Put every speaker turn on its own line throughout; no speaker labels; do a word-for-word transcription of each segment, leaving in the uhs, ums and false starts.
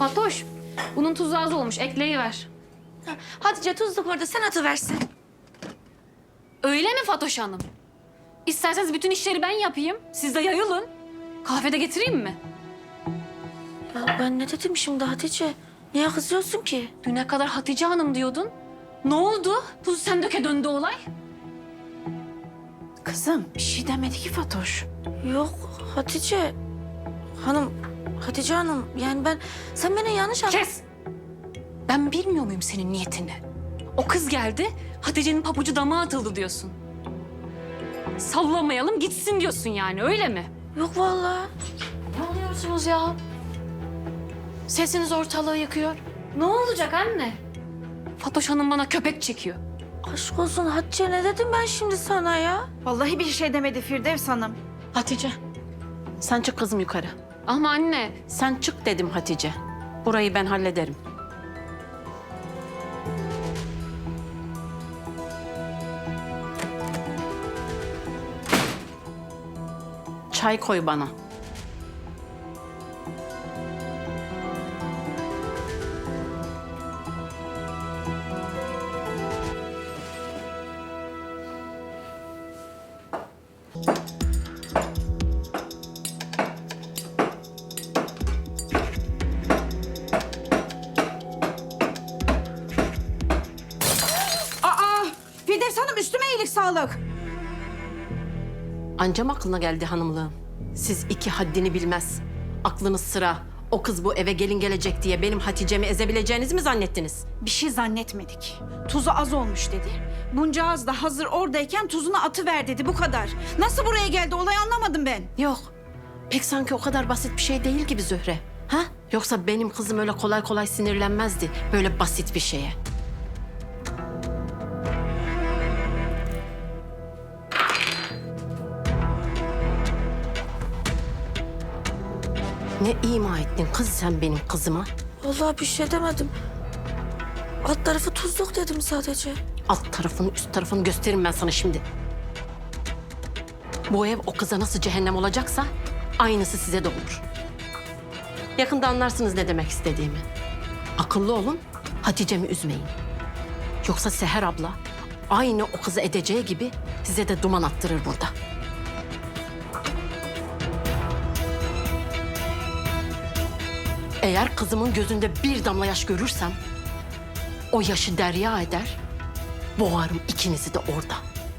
Fatoş, bunun tuzu az olmuş. Ekleyiver.
Hatice tuzluk orada, sen atıversin.
Öyle mi Fatoş Hanım? İsterseniz bütün işleri ben yapayım. Siz de yayılın. Kahvede getireyim mi?
Ya ben ne dedim şimdi Hatice? Niye kızıyorsun ki?
Düne kadar Hatice Hanım diyordun. Ne oldu? Tuzu sen döke döndü olay.
Kızım bir şey demedi ki Fatoş.
Yok Hatice Hanım, Hatice Hanım yani ben... Sen beni yanlış anladın.
Kes! Ben bilmiyor muyum senin niyetini? O kız geldi, Hatice'nin pabucu dama atıldı diyorsun. Sallamayalım gitsin diyorsun yani, öyle mi?
Yok vallahi. Ne oluyorsunuz ya? Sesiniz ortalığı yıkıyor.
Ne olacak anne? Fatoş Hanım bana köpek çekiyor.
Aşk olsun Hatice, ne dedim ben şimdi sana ya?
Vallahi bir şey demedi Firdevs Hanım.
Hatice, sen çık kızım yukarı.
Ama anne,
Sen çık dedim Hatice. Burayı ben hallederim. Çay koy bana.
Aa Firdevs Hanım, üstüme iyilik sağlık.
Ancam aklına geldi hanımlığım. Siz iki haddini bilmez. Aklınız sıra. O kız bu eve gelin gelecek diye benim Hatice'mi ezebileceğinizi mi zannettiniz?
Bir şey zannetmedik. Tuzu az olmuş dedi. Bunca az da hazır oradayken tuzunu atıver dedi, bu kadar. Nasıl buraya geldi olay anlamadım ben.
Yok. Pek sanki o kadar basit bir şey değil gibi Zühre. Ha? Yoksa benim kızım öyle kolay kolay sinirlenmezdi böyle basit bir şeye. Ne ima ettin kız sen benim kızıma?
Vallahi bir şey demedim. Alt tarafı tuzluk dedim sadece.
Alt tarafını üst tarafını gösteririm ben sana şimdi. Bu ev o kıza nasıl cehennem olacaksa aynısı size de olur. Yakında anlarsınız ne demek istediğimi. Akıllı olun, Hatice'mi üzmeyin. Yoksa Seher abla aynı o kızı edeceği gibi size de duman attırır burada. Eğer kızımın gözünde bir damla yaş görürsem o yaşı derya eder, boğarım ikinizi de orada.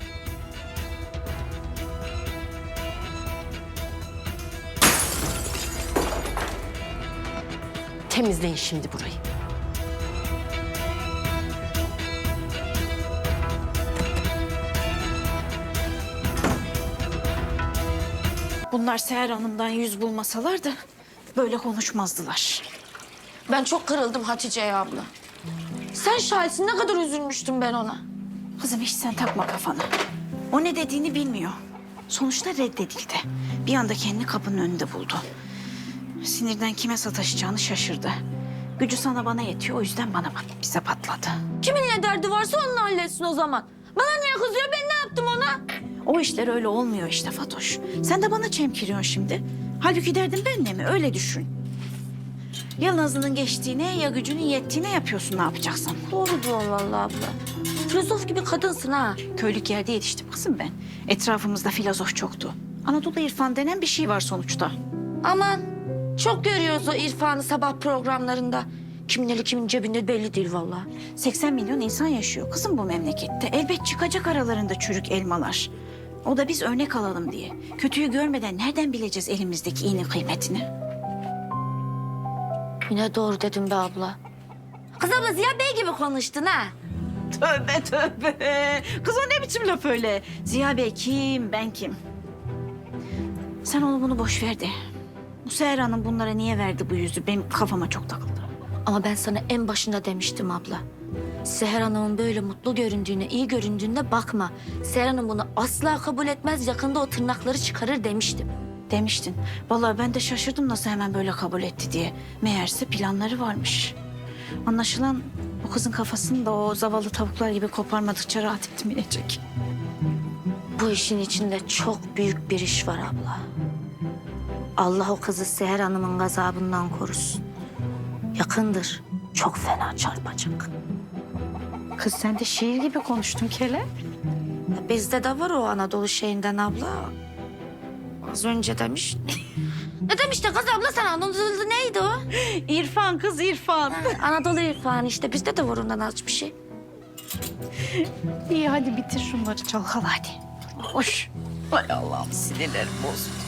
Temizleyin şimdi burayı.
Bunlar Seher Hanım'dan yüz bulmasalar da böyle konuşmazdılar.
Ben çok kırıldım Hatice'ye abla. Sen şahitsin, ne kadar üzülmüştüm ben ona.
Kızım hiç sen takma kafana. O ne dediğini bilmiyor. Sonuçta reddedildi. Bir anda kendini kapının önünde buldu. Sinirden kime sataşacağını şaşırdı. Gücü sana bana yetiyor, o yüzden bana bak, bize patladı.
Kimin ne derdi varsa onunla halletsin o zaman. Bana niye kızıyor, ben ne yaptım ona?
O işler öyle olmuyor işte Fatoş. Sen de bana çemkiriyorsun şimdi. Halbuki derdin benle mi? Öyle düşün. Ya nazının geçtiğine ya gücünün yettiğine yapıyorsun, ne yapacaksın?
Doğru diyorsun vallahi abla. Filozof gibi kadınsın ha.
Köylük yerde yetiştim kızım ben. Etrafımızda filozof çoktu. Anadolu irfan denen bir şey var sonuçta.
Aman çok görüyoruz o irfanı sabah programlarında. Kimin eli kimin cebinde belli değil vallahi.
seksen milyon insan yaşıyor kızım bu memlekette. Elbet çıkacak aralarında çürük elmalar. O da biz örnek alalım diye. Kötüyü görmeden nereden bileceğiz elimizdeki iyinin kıymetini?
Yine doğru dedim be abla. Kız abla Ziya Bey gibi konuştun ha.
Tövbe tövbe. Kız o ne biçim laf öyle? Ziya Bey kim, ben kim? Sen onu bunu boş ver de. Bu Seher Hanım bunlara niye verdi bu yüzü? Benim kafama çok takıldı.
Ama ben sana en başında demiştim abla. Seher Hanım'ın böyle mutlu göründüğüne, iyi göründüğüne bakma. Seher Hanım bunu asla kabul etmez, yakında o tırnakları çıkarır demiştim.
Demiştin. Vallahi ben de şaşırdım nasıl hemen böyle kabul etti diye. Meğerse planları varmış. Anlaşılan o kızın kafasını da o zavallı tavuklar gibi koparmadıkça rahat etmeyecek.
Bu işin içinde çok büyük bir iş var abla. Allah o kızı Seher Hanım'ın gazabından korusun. Yakındır. Çok fena çarpacak.
Kız sen de şiir gibi konuştun Kele.
Bizde de var o Anadolu şeyinden abla. Az önce demiş. Ne demişti kız abla sen? Anadolu neydi o?
İrfan kız İrfan.
Anadolu irfanı işte. Bizde de var ondan az bir şey.
İyi hadi bitir şunları çalkala hadi. Hoş. Ay Allah'ım sinirlerim bozuldu.